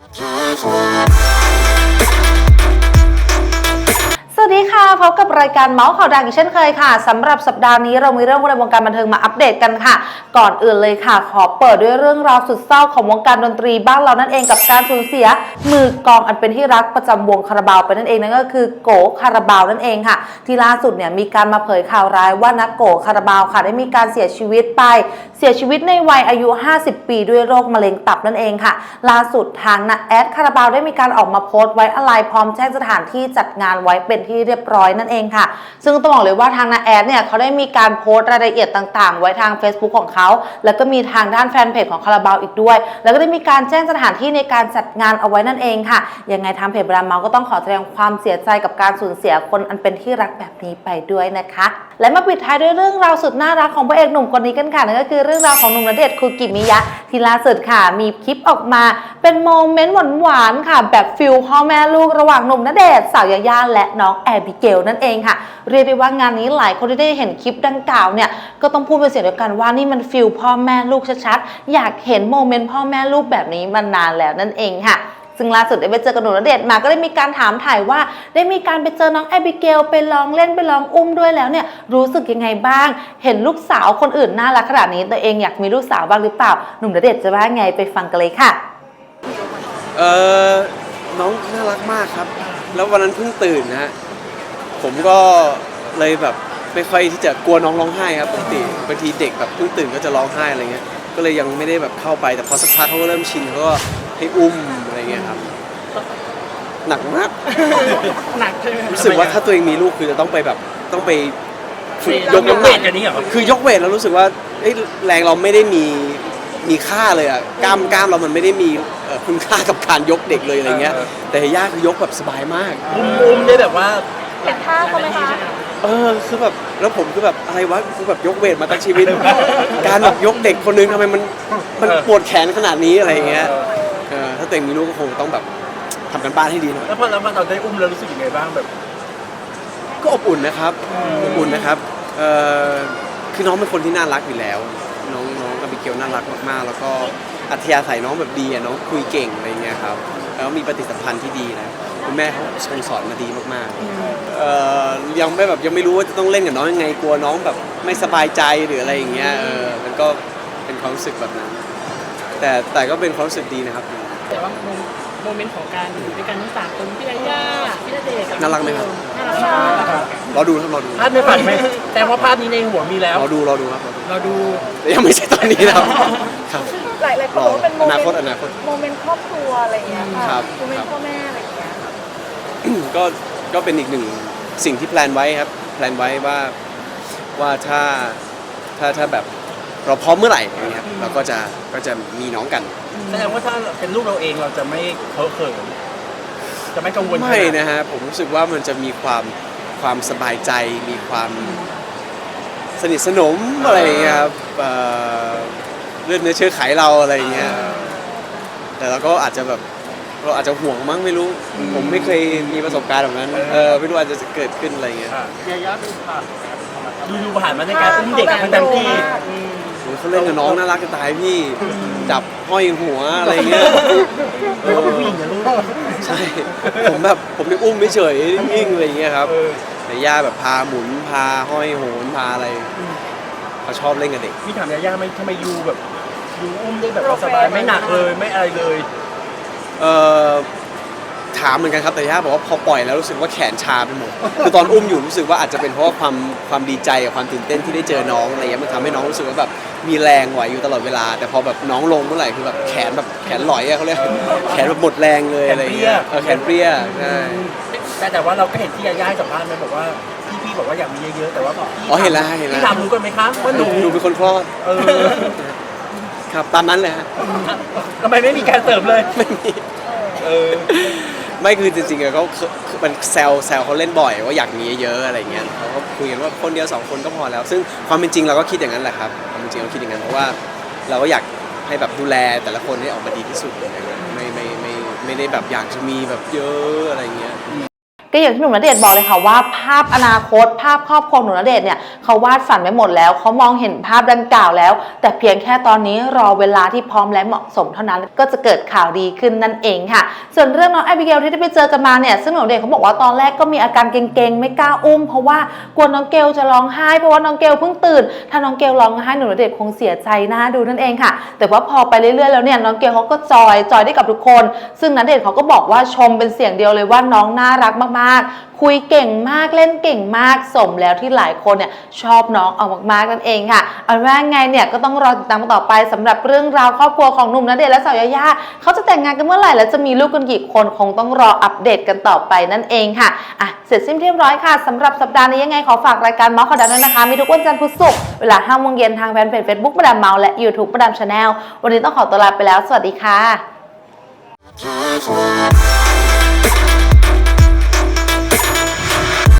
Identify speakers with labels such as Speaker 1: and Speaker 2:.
Speaker 1: สวัสดีค่ะพบกับรายการเมาส์ข่าวดังอีกเช่นเคยค่ะสำหรับสัปดาห์นี้เรามีเรื่องในวงการบันเทิงมาอัปเดตกันค่ะก่อนอื่นเลยค่ะขอเปิดด้วยเรื่องราวสุดเศร้าของวงการดนตรีบ้านเรานั่นเองกับการสูญเสียมือกลองอันเป็นที่รักประจำวงคาราบาวไปนั่นเองนั่นก็คือโกคาราบาวนั่นเองค่ะที่ล่าสุดเนี่ยมีการมาเผยข่าวร้ายว่านักโกคาราบาวค่ะได้มีการเสียชีวิตในวัยอายุ50 ปีด้วยโรคมะเร็งตับนั่นเองค่ะล่าสุดทางนักแอดคาราบาวได้มีการออกมาโพสต์ไว้อาลัยพร้อมแจ้งสถานที่จัดงานไว้เป็นที่เรียบร้อยนั่นเองค่ะซึ่งต้องบอกเลยว่าทางนักแอดเนี่ยเขาได้มีการโพสต์รายละเอียดต่างๆไว้ทาง Facebook ของเขาแล้วก็มีทางด้านแฟนเพจของคาราบาวอีกด้วยแล้วก็ได้มีการแจ้งสถานที่ในการจัดงานเอาไว้นั่นเองค่ะยังไงทางเพจบราเมาก็ต้องขอแสดงความเสียใจกับการสูญเสียคนอันเป็นที่รักแบบนี้ไปด้วยนะคะและมาปิดท้ายด้วยเรื่องราวสุดน่ารักของพระเอกหนุ่มคนนี้กันค่ะนั่นก็คือเรื่องราวของหนุ่มณเดชน์คูกิมิยะที่ล่าสุดค่ะมีคลิปออกมาเป็นโมเมนต์หวานๆค่ะแบบฟิลพ่อแม่ลูกระหว่างหนุ่มณเดชน์สาวยาย่าและน้องแอบิเกลนั่นเองค่ะเรียกได้ว่างานนี้หลายคนที่ได้เห็นคลิปดังกล่าวเนี่ยก็ต้องพูดเป็นเสียงเดียวกันว่านี่มันฟิลพ่อแม่ลูกชัดๆอยากเห็นโมเมนต์พ่อแม่ลูกแบบนี้มานานแล้วนั่นเองค่ะซึ่งล่าสุดได้ไปเจอกับหนุ่มณเดชน์มาก็ได้มีการถามถ่ายว่าได้มีการไปเจอน้องแอบิเกลไปลองเล่นไปลองอุ้มด้วยแล้วเนี่ยรู้สึกยังไงบ้างเห็นลูกสาวคนอื่นน่ารักขนาดนี้ตัวเองอยากมีลูกสาวบ้างหรือเปล่าหนุ่มณเดชน์จะว่าไงไปฟังกันเลยค่ะ
Speaker 2: น้องน่ารักมากครับแล้ววันนั้นเพิ่งตื่นนะฮะผมก็เลยแบบไม่ค่อยที่จะกลัวน้องร้องไห้ครับปกติบางทีเด็กแบบเพิ่งตื่นก็จะร้องไห้อะไรเงี้ยก็เลยยังไม่ได้แบบเข้าไปแต่พอสักพักเขาก็เริ่มชินเขาก็ให้อุ้มอะไรเงี้ยครับหนักมาก
Speaker 3: หนักใช่ไหม
Speaker 2: รู้สึกว่าถ้าตัวเองมีลูกคือจะต้องไปแบบต้องไปฝึกยกน้ำห
Speaker 3: เว
Speaker 2: นัก
Speaker 3: ทอย่างนี้เหรอ
Speaker 2: คือยกเวทแล้วรู้สึกว่าแรงเราไม่ได้มีค่าเลยอ่ะกล้ามเรามันไม่ได้มีคุณค่ากับการยกเด็กเลยอะไรเงี้ยแต่ย่าคือยกแบบสบายมาก
Speaker 3: อุ้มได้แบบว่า
Speaker 1: เห็นท่าเขาไหมคะ
Speaker 2: คือแบบแล้วผมคือแบบอะไรวะคือแบบยกเวทมาตั้งชีวิต การแบบยกเด็กคนนึงทำไมมันปวดแขนขนาดนี้อะไรเงี้ยถ้าตัวเองมีลูกก็คงต้องแบบทำกันบ้านให้ดีหน่อย
Speaker 3: แล้วพอเราได้อุ้มแล้วรู้สึกยังไงบ้างแบบ
Speaker 2: ก็อบอุ่นนะครับอบอุ่นนะครับคือน้องเป็นคนที่น่ารักอยู่แล้วน้องอบิเกลน่ารักมากๆแล้วก็อัธยาศัยน้องแบบดีน้องคุยเก่งอะไรเงี้ยครับแล้วมีปฏิสัมพันธ์ที่ดีนะคุณแม่เขาสอนมาดีมากๆยังไม่รู้ว่าจะต้องเล่นกับน้องยังไงกลัวน้องแบบไม่สบายใจหรืออะไรอย่างเงี้ยมันก็เป็นความรู้สึกแบบนั้นแต่ก็เป็นความรู้สึกดีนะครับ
Speaker 4: แต่ว่าโมเมนต์ของการอยู่ด้วยกันทั้ง3คนพี่ยาย่าพี่ณเดชน์
Speaker 2: น่ารักไหมครับ
Speaker 4: น่ารักมาก
Speaker 2: รอดูครับรอดู
Speaker 3: ภาพในฝันไหมแต่ว่าภาพนี้ในหัวมีแล้ว
Speaker 2: รอดูครับ
Speaker 3: เราดู
Speaker 2: ยังไม่ใช่ตอนนี้นะครับครับ
Speaker 1: หลายคนบอกว่าเป็นโมเมนต์
Speaker 2: อนาคต
Speaker 1: โมเมนต์ครอบครัวอะไรอย่างเงี้ยค่ะโมเมนต์พ่อแม่อะไรอย่างเงี้ย
Speaker 2: ก็เป็นอีกหนึ่งสิ่งที่แพลนไว้ครับแพลนไว้ว่าถ้าแบบเราพร้อมเมื่อไหร่อย่างเงี้ยเราก็จะมีน้องกัน
Speaker 3: แสดงว่าถ้าเป็นลูกเราเองเราจะไม่เพ้อเขินจะไม่กังวล
Speaker 2: ไม่นะฮะผมรู้สึกว่ามันจะมีความสบายใจมีความสนิทสนมอะไรอย่างเงี้ยครับเลือดเนื้อเชื้อไขเราอะไรอย่างเงี้ยแต่เราก็อาจจะห่วงมั้งไม่รู้ผมไม่เคยมีประสบการณ์แบบนั้นไม่รู้อาจจะเกิดขึ้นอะไรอย่างเงี้ย
Speaker 3: ย่าดูผ่านมาในการอุ้มเด็กมันเต็มที่
Speaker 2: เขาเล่นกับน้องน่ารักจะตายพี่จับห้อยหัวอะไรเงี้ย
Speaker 3: เขาเป็นผู้หญิงนะลูก
Speaker 2: ใช่ผมได้อุ้มไม่เฉยนิ่งอะไรเงี้ยครับแต่ย่าแบบพาหมุนพาห้อยโหนพาอะไรเขาชอบเล่นกับเด็ก
Speaker 3: พี่ถามย่าไม่ทำไมยูแบบยูอุ้มได้แบบสบายไม่หนักเลยไม่อะไรเลย
Speaker 2: ถามเหมือนกันครับแต่ย่าบอกว่าพอปล่อยแล้วรู้สึกว่าแขนชาไปหมดคือตอนอุ้มอยู่รู้สึกว่าอาจจะเป็นเพราะว่าความดีใจกับความตื่นเต้นที่ได้เจอน้องอะไรเงี้ยมันทำให้น้องรู้สึกว่าแบบมีแรงไหวอยู่ตลอดเวลาแต่พอแบบน้องลงเมื่อไหร่คือแบบแขนหลอยอะเขาเรียกแขนแบบหมดแรงเลยอะไรเงี้ยแขนเปรี้ยใช่
Speaker 3: แต่ว่าเราก็เห็นที่ย่าสัมภาษณ์มันบอกว่าพี่บอกว่าอยากมีเยอะๆแต่ว่า
Speaker 2: เห็นแล้ว
Speaker 3: พี่ถามรู้กันไหมคะว่าห
Speaker 2: นูเป็นคนคลอดครับตามนั้นเลยฮะ
Speaker 3: ทำไมไม่มีการเสริมเลย
Speaker 2: ไม่มีไม่คือจริงๆเขามันแซวเขาเล่นบ่อยว่าอยากมีเยอะอะไรเงี้ยเขาก็คุยกันว่าคนเดียว2 คนก็พอแล้วซึ่งความเป็นจริงเราก็คิดอย่างนั้นแหละครับความเป็นจริงเราคิดอย่างนั้นเพราะว่าเราก็อยากให้แบบดูแลแต่ละคนให้ออกมาดีที่สุดอะไรเงี้ยไม่ได้แบบอยากจะมีแบบเยอะอะไรเงี้ย
Speaker 1: ก็อย่างที่หนุ่มณเดชน์บอกเลยค่ะว่าภาพอนาคตภาพครอบครัวหนุ่มณเดชน์เนี่ยเขาวาดฝันไว้หมดแล้วเขามองเห็นภาพดังกล่าวแล้วแต่เพียงแค่ตอนนี้รอเวลาที่พร้อมและเหมาะสมเท่านั้นก็จะเกิดข่าวดีขึ้นนั่นเองค่ะส่วนเรื่องน้องแอบิเกลที่ได้ไปเจอกันมาเนี่ยซึ่งหนุ่มณเดชน์เขาบอกว่าตอนแรกก็มีอาการเกร็งๆไม่กล้าอุ้มเพราะว่ากลัวน้องเกลจะร้องไห้เพราะว่าน้องเกลเพิ่งตื่นถ้าน้องเกลร้องไห้หนุ่มณเดชน์คงเสียใจนะดูนั่นเองค่ะแต่ว่าพอไปเรื่อยๆแล้วเนี่ยน้องเกลเขาก็จอยได้กับทุกคนซึ่งณเดชน์เขาก็บอกว่าชมเป็นเสียงเดียวเลยว่าน้องน่ารักมากๆคุยเก่งมากเล่นเก่งมากสมแล้วที่หลายคนเนี่ยชอบน้องเอามากๆนั่นเองค่ะเอาว่าไงเนี่ยก็ต้องรอติดตามต่อไปสำหรับเรื่องราวครอบครัวของหนุ่มณเดชน์และสาวยายาเขาจะแต่งงานกันเมื่อไหร่และจะมีลูกกันกี่คนคงต้องรออัปเดตกันต่อไปนั่นเองค่ะเสร็จสิ้นเรียบร้อยค่ะสำหรับสัปดาห์นี้ยังไงขอฝากรายการเมาส์ข่าวดังด้วยนะคะมีทุกวันจันทร์พุธศุกร์เวลา 5 โมงเย็นทางแฟนเพจ Facebook มาดามเมาส์และ YouTube มาดามชาแนลวันนี้ต้องขอตัวลาไปแล้วสวัสดีค่ะ